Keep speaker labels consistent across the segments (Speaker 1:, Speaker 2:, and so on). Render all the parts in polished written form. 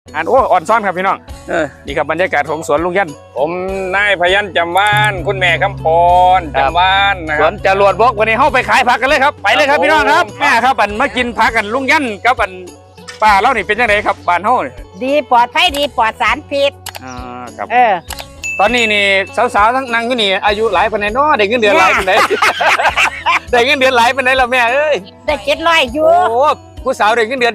Speaker 1: โอ้อ่อนซ้อนครับพี่น้องนี่ครับบรรยากาศของสวนลุงยัน
Speaker 2: ผมนายพยัญชนะจำวานคุณแม่คำพรจำวานนะ
Speaker 1: ส
Speaker 2: ค
Speaker 1: ว
Speaker 2: รั
Speaker 1: น
Speaker 2: บ
Speaker 1: จรวดบกวันนี้เข้าไปขายผักกันเลยครับไปเลยครับพี่น้องครับแม่ครับมากินผักกันลุงยันกับป้าเล่านี่เป็นยังไงครับบ้านเฮานี่
Speaker 3: ดีปลอดภัยดีปลอดสารพิษ
Speaker 1: ครับ
Speaker 3: ต
Speaker 1: อนนี้นี่สาวๆทั้งนั่งอยู่นี่อายุหลายปานใดเนาะได้เงินเดือนหลายปานใด ได้เงินเดือนหลายปานใดแล้วแม่เอ้ย
Speaker 3: ได้700อยู่
Speaker 1: โอ้ผู้สาวได้เงินเดือน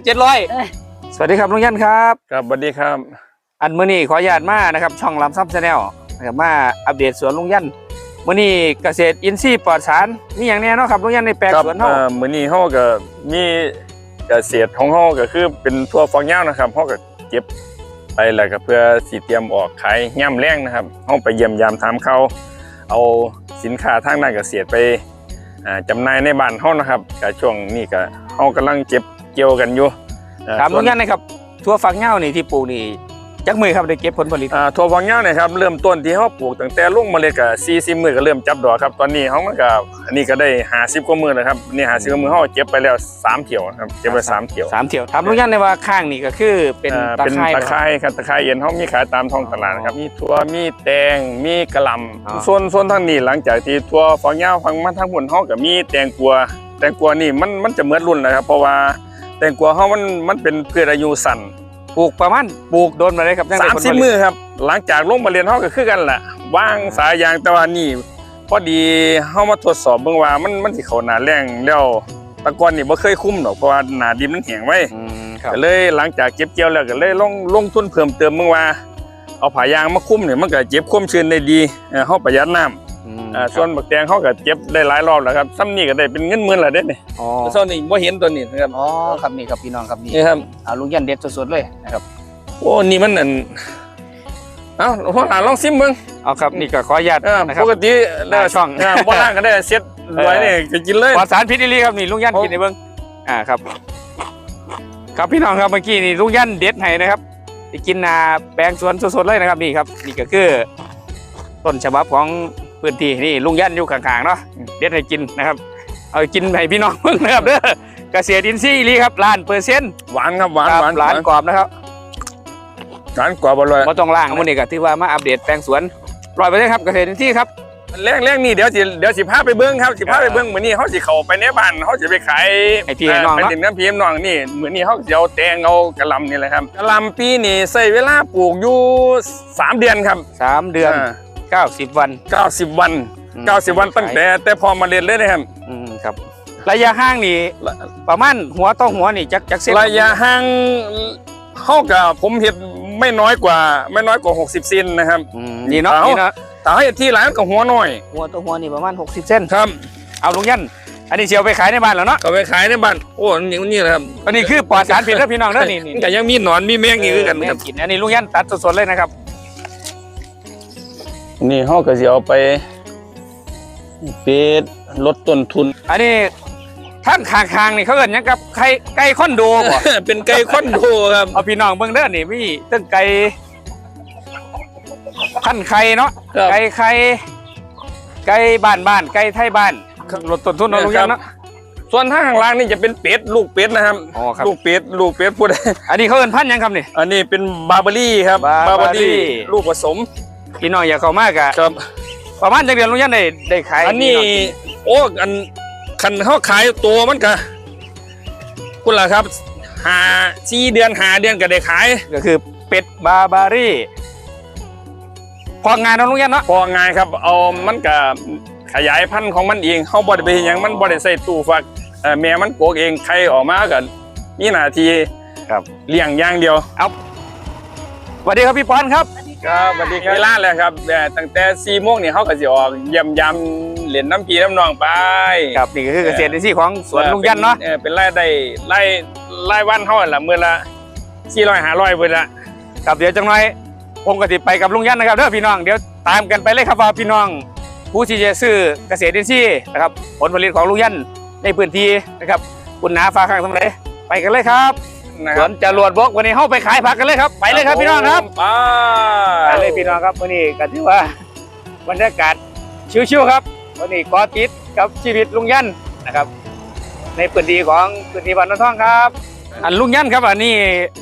Speaker 1: 700สวัสดีครับลุงยันครับ
Speaker 2: ครับสวัสดีครับ
Speaker 1: อันมื้อนี้ขออนุญาตมานะครับช่องลำซับชาแนลนะครับมาอัปเดตสวนลุงยันมื้อนี้เกษตรอินทรีย์ปลอดสารมีอย่างแน่เนาะครับลุงยันในแปลงสวนเฮา
Speaker 2: มื้อนี้เฮาก็มีเกษตรของเฮาก็คือเป็นทั่วฝักยาวนะครับเฮาก็เก็บไปแล้วก็เพื่อสิเตรียมออกขายย่ำแรงนะครับเฮาไปเยี่ยมยามถามเขาเอาสินค้าทางด้านเกษตรไปจำหน่ายในบ้านเฮานะครับก็ช่วงนี้ก็เฮากำลังเก็บเกี่ยวกันอยู่
Speaker 1: ถามลุงยันนะครับทั่วฝักยาวนี่ที่ปลูกนี่จักมือครับได้เก็บผลผลิต
Speaker 2: ถั่วฝักยาวเนี่ยครับเริ่มต้นที่เขาปลูกตั้งแต่ลงเมล็ดก็40 มื้อก็เริ่มจับดอกครับตอนนี้เขามันก็อันนี้ก็ได้50 กว่ามื้อแล้วครับนี่50 กว่ามื้อเขาเก็บไปแล้ว3 เที่ยวครับเก็บไป3 เที่ยว
Speaker 1: 3 เที่ยวถามลุงยันได้ว่าข้างนี่ก็คือเป็นตะ
Speaker 2: เป็น
Speaker 1: ไคร้
Speaker 2: ตะไคร้ครับตะไคร้เย็นเขามีขายตามท้องตลาดนะครับมีถั่วมีแตงมีกะหล่ำส่วนทางนี้หลังจากที่ถั่วฝักยาวฟังมาทางบนเขาก็มีแตงกวานี่มันจะเหมือนรุ่นนะครับเพราะว่าแตงกวาเขามันเป็นพืชอายุสั้น
Speaker 1: ปลูกประมาณปลูกโดนมาเลยครับ
Speaker 2: 30 มื้อครับหลังจากลงมาเรียนเขาก็คือกันแหละวางสายยางแต่ว่านี่พอดีเขามาทดสอบเบิ่งว่ามันสิเข้าหน้าแล้งแล้วตะกอนนี่บ่เคยคุ้มดอกเพราะว่าหน้าดินมันแห้งไว้ก็เลยหลังจากเก็บเกี่ยวแล้วก็เลยลงทุนเพิ่มเติมเบิ่งว่าเอาผ้ายางมาคุ้มเนี่ยมันก็เก็บความชื้นได้ดีเฮาประหยัดน้ำส่วนบักแตงเขาก็เก็บได้หลายรอบแล้วครับซ้ำนี่ก็ได้เป็นเงินหมื่นแล้วเด้นี่ส่วนนี้บ่เห็นตัวนี้นะครับ
Speaker 1: อ๋อครับนี่ครับพี่น้องครับนี่
Speaker 2: นี่ครับ
Speaker 1: ลุงยันเด็ดสดๆเลยนะครับ
Speaker 2: โอ้นี่มันนั่นเอ้าพ่อหลานลองซิมเบิ่ง
Speaker 1: เอาครับนี่ก็ขออนุญาตนะครับ
Speaker 2: ปกติ
Speaker 1: ช่อง
Speaker 2: บ่ล่างก็ได้เซ็ตไว้นี่ก็กินเลย
Speaker 1: ปลอดสารพิษอีหลีครับนี่ลุงยันกินในเบิ้งครับครับพี่น้องครับเมื่อกี้นี่ลุงยันเด็ดให้นะครับที่กินนาแปลงสวนสดๆเลยนะครับนี่ครับนี่ก็คือต้นฉบับของพื้นที่นี่ลุงยันอยู่ข้างๆเนาะเด็ดให้กินนะครับเอากินให้พี่น้องเบิ่งนะครับเด้อเกษตรอินทรีย์อีหลีครับ1,000%
Speaker 2: หวานครับหวาน
Speaker 1: หวานกรอบนะครับ
Speaker 2: หวานกว่าบ่เลย
Speaker 1: บ่ต้องล่างมื้อนี้ก็ถือว่ามาอัปเดตแปลงสวน100%ครับเกษตรอินทรีย์ครับ
Speaker 2: แรงนี่เดี๋ยวสิพาไปเบิ่งครับสิพาไปเบิ่งมื้อนี้เฮาสิเข้าไปในบ้านเฮาสิไปขาย
Speaker 1: ให้พี่ให้น้อง
Speaker 2: ไป
Speaker 1: เนาะ
Speaker 2: ดินน้ำพี่น้องนี่มื้อนี้เฮาสิเอาแตงเอากะหล่ำนี่แหละครับกะหล่ำปีนี้ใช้เวลาปลูกอยู่3 เดือนครับ
Speaker 1: 3 เดือน90 วัน
Speaker 2: 90 วัน90 วันตั้งแต่พอมาเรียนเลยนะครับ
Speaker 1: ครับระยะห่างนี่ประมาณหัวต่อหัวนี่จักเส้น
Speaker 2: ระยะห่างเฮากับผมเฮ็ดไม่น้อยกว่า60 เซนนะครับ
Speaker 1: นี่เนาะนี่เนาะ
Speaker 2: ถ้าให้ที่ร้านก็หัวน้อย
Speaker 1: หัวต่อหัวนี่ประมาณ60 เส้น
Speaker 2: ครับ
Speaker 1: เอาลุงยันอันนี้เชียวไปขายในบ้านแล้วเนาะ
Speaker 2: ก็ไปขายในบ้านโอ้นี่แหละครับ
Speaker 1: อันนี้คือปลอดสารพิษแล้วพี่น้องเด้อนี่
Speaker 2: ก็ยังมีหนอนมีแมงอีกคือกัน
Speaker 1: แม่
Speaker 2: ครับ
Speaker 1: กินอันนี้ลุงยันตัดสดๆเลยนะครับ
Speaker 2: นี่เฮาก็สิเอาไปเป็ดลดต้นทุน
Speaker 1: อันนี้ท่านข้างๆนี่เขาเอิ้นหยังกับไก่คอนโดบ่
Speaker 2: เป็นไก่คอนโดครับ
Speaker 1: เอาพี่น้องเบิ่งเด้อนี่มีตั้งไก่พันไข่เนาะไก่ไข่ไก่บ้านไก่ไทยบ้านลดต้นทุนเนาะลุงยันเนาะ
Speaker 2: ส่วนทางข้างล่างนี่จะเป็นเป็ดลูกเป็ดนะครับ
Speaker 1: อ๋อครับ
Speaker 2: ลูกเป็ดพูด
Speaker 1: อันนี้เขาเอิ้นพันธุ์หยังครับนี่
Speaker 2: อันนี้เป็นบาร์เบอรี่ครับ
Speaker 1: Barbary
Speaker 2: ลูกผสม
Speaker 1: พี่น้องอยากเข้ามากอะ
Speaker 2: ครับ
Speaker 1: ประมาณจักเดือนลุงยันได้ขาย
Speaker 2: อันนี้โอ้อันคันเขาขายตัวมันก็คุณล่ะครับ4 เดือน5 เดือนก็ได้ขาย
Speaker 1: ก็คือเป็ดบาบารี่พองานเนาะลุงยันเนาะ
Speaker 2: พอง่ายครับเอามันก็ขยายพันธุ์ของมันเองเขาบ่ได้ไปเฮ็ดหยังมันบ่ได้ใส่ตู้ฟักแม่มันโกกเองไข่ออกมาก็มีหน้าที่
Speaker 1: ครับ
Speaker 2: เลี้ยงอย่างเดียว
Speaker 1: สวัสดีครับพี่ปอนครับ
Speaker 2: ครับสวัสดีครับเวลาแล้วครับตั้งแต่4 โมงนี่เขาก็สิออกเยี่ยมยามเล่นน้ำพี่น้ำน้องไป
Speaker 1: ครับนี่ก็คือเกษตรอินทรีย์ของสวนลุงยันเนาะ
Speaker 2: เป็นรายได้รายวันเท่าไหร่ละมื้อละ400-500เบิดละ
Speaker 1: ครับเดี๋ยวจังหน่อยผมก็สิไปกับลุงยันนะครับเด้อพี่น้องเดี๋ยวตามกันไปเลยครับว่าพี่น้องผู้ที่จะซื้อเกษตรอินทรีย์นะครับผลผลิตของลุงยันในพื้นที่นะครับคุณนาฟ้าข้างทั้งหลายไปกันเลยครับสวนจรวดบกวันนี้เข้าไปขายผักกันเลยครับไปเลยครับพี่น้องครับ ไปเลยพี่น้องครับวันนี้ก็ถือว่าบรรยากาศชิวๆครับวันนี้กอติดกับชีวิตลุงยันนะครับ ในพื้นที่ของพื้นที่บ้านนนท่องครับอันลุงยันครับอันนี้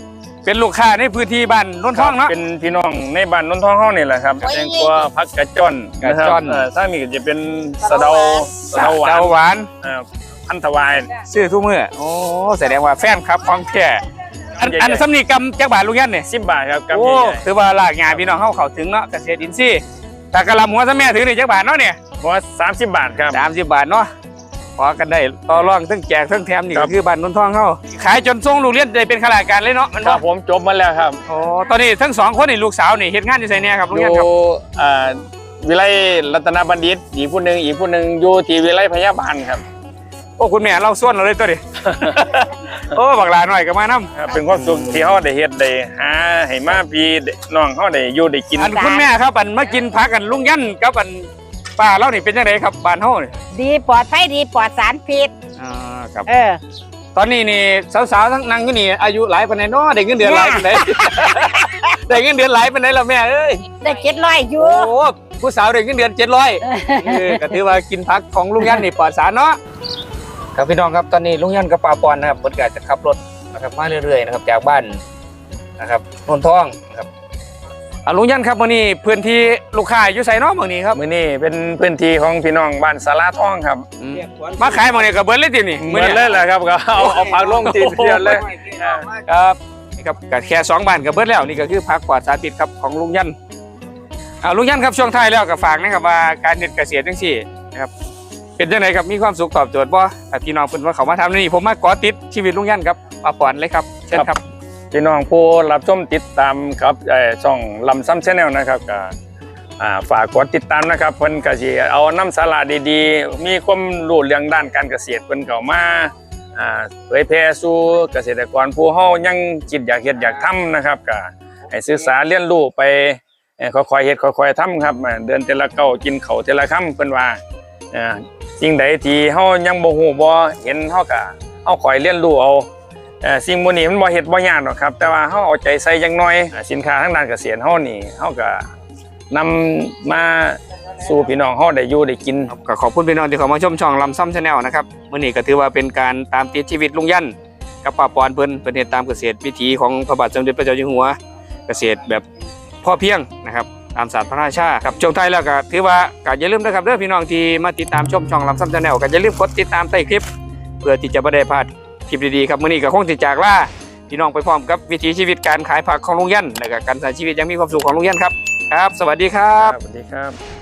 Speaker 1: เป็นลูกค้าในพื้นที่บ้านนนท้องเนาะ
Speaker 2: เป็นพี่น้องในบ้านนนท้องเฮานี่แหละครับแตงกวาผักกระจ้อน
Speaker 1: กระจ้อน
Speaker 2: ถ้ามีก็จะเป็นสะเดาหวาน
Speaker 1: เดาหวาน
Speaker 2: พันธวาย
Speaker 1: ซื้อทุกมื้อโอ้แสดงว่าแฟนครับของแท้อันสำนีกำจักบาทลุงยันเนี่ย
Speaker 2: 10 บาทครับกับ
Speaker 1: โอ้ถือว่าหลากงานพี่น้องเข้าถึงเนาะเกษตรอินทรีย์แต่กระลำหัวซะแม่ถือนี่จักบาทเนาะเนี่ย
Speaker 2: หัว30 บาทครับ
Speaker 1: 30 บาทเนาะพอกันได้ต่อรองทั้งแจกทั้งแถมนี่
Speaker 2: ครั
Speaker 1: ก็
Speaker 2: บ
Speaker 1: คือบ้านนนท้องเขาขายจนส่งลูกเรียนได้เป็นข้าราชการเลยเนาะมัน
Speaker 2: ครั
Speaker 1: ว่า
Speaker 2: บผมจบมาแล้วครับ
Speaker 1: โอ้ตอนนี้ทั้งสองคนนี่ลูกสาวนี่เฮ็ดงานอยู่ไสเนี่ยครับลุง
Speaker 2: อ
Speaker 1: ยัน
Speaker 2: ยู่
Speaker 1: ครับ
Speaker 2: วิไลรัตนบัณฑิตอีกผู้หนึงอยู่ที่วิไลพยาบาลครับ
Speaker 1: โอ้คุณแม่เราส่วนเราเลยตัวดิ โอ้บักหลาหน่อยก็มานํ
Speaker 2: ครับเป็นความสุขที่เฮาได้เฮ็ดได้หาให้มาพี่น้องเฮาได้อยู่ได้กิน
Speaker 1: อันคุณแม่ครับอันมากินพักกันลุงยันกับอันป้าเรานี่เป็นจังไดครับบ้านเฮานี่
Speaker 3: ดีปลอดภัยดีปลอดสารพิษ
Speaker 1: ครับ
Speaker 3: เออ
Speaker 1: ตอนนี้นี่สาวๆทั้งนั่งอยู่นี่อายุหลายปานใดเนาะได้เงินเดือนหลายปานใด ได้เงินเดือนหลายปานใดล่ะแม่เอ้ย
Speaker 3: ได้700อยู่
Speaker 1: โอ้ผู้สาวได้เงินเดือน700ก็ถือว่ากินพักของลุงยันนี่ปลอดสารเนาะครับพี่น้องครับตอนนี้ลุงยันกับป้าปอนนะครับเพิ่นก็จะขับรถนะครับมาเรื่อยๆนะครับจากบ้านนะครับนนทองนะครับลุงยันครับมื้อนี้พื้นที่ลูกค้าอยู่ไสเนาะมื้อนี้ครับ
Speaker 2: มื้อนี้เป็นพื้นที่ของพี่น้องบ้านสาราทองครับ
Speaker 1: มาขายมื้อนี้ก็เบิดเลยตินี่
Speaker 2: เหมือนเลยแหละครับก็เอาผักลงทีเดียวเลย
Speaker 1: ครับนี่ครับก็แค่2บ้านก็เบิดแล้วนี่ก็คือพักปลอดสารพิษครับของลุงยันลุงยันครับช่วงท้ายแล้วก็ฝากนะครับว่าการเฮ็ดเกษตรจังซี่นะครับเป็นจังไดครับมีความสุขตอบโจทย์บ่ถ้าพี่น้องเพิ่นว่าเขามาทำนี่ผมมาก่อติดชีวิตลุงยันครับป้าปอนเลยครับเชิญครับ
Speaker 2: พี่น้องผู้รับชมติดตามครับช่องลำซ้ำแชนแนลนะครับก็ฝากกดติดตามนะครับเพิ่นก็สิเอาน้ำสาระดีๆ มีความรู้เรื่องด้านการเกษตรเพิ่นก็มาเผยแพร่สู่เกษตรกรผู้เฮายังคิดอยากเฮ็ดอยากทำนะครับก็ให้ศึกษาเรียนรู้ไปค่อยๆเฮ็ดค่อยๆทำครับเดินแต่ละก้าวกินข้าวแต่ละคำเพิ่นว่าสิ่งใดที่เฮายังบ่ฮู้บ่เห็นเฮาก็เอาค่อยเรียนรู้เอาสิ่งพวกนี้มันบ่เฮ็ดบ่ยากหรอกครับแต่ว่าเฮาเอาใจใส่จังน้อยสินค้าทางด้านเกษตรเฮานี่เฮาก็นำมาสู่พี่น้องเฮาได้อยู่ได้กิน
Speaker 1: ก็ขอบคุณพี่น้องที่เข้ามาชมช่องลำซ้ำชาแนลนะครับมื้อนี้ก็ถือว่าเป็นการตามติดชีวิตลุงยันกับป้าปอนเพิ่นเฮ็ดตามเกษตรวิถีของพระบาทสมเด็จพระเจ้าอยู่หัวเกษตรแบบพอเพียงนะครับตามศาสตร์พระราชาครับช่วงท้ายแล้วก็ถือว่าก็อย่าลืมนะครับเด้อพี่น้องที่มาติดตามชมช่องลำซ้ำชาแนลก็อย่าลืมกดติดตามใต้คลิป เพื่อที่จะบ่ได้พลาดคลิปดีๆครับมื้อนี้ก็คงสิจากลาพี่น้องไปพร้อมกับวิถีชีวิตการขายผักของลุงยันและก็การใช้ชีวิตอยังมีความสุขของลุงยันครับครับ สวัสดีครับ
Speaker 2: สวัสดีครับ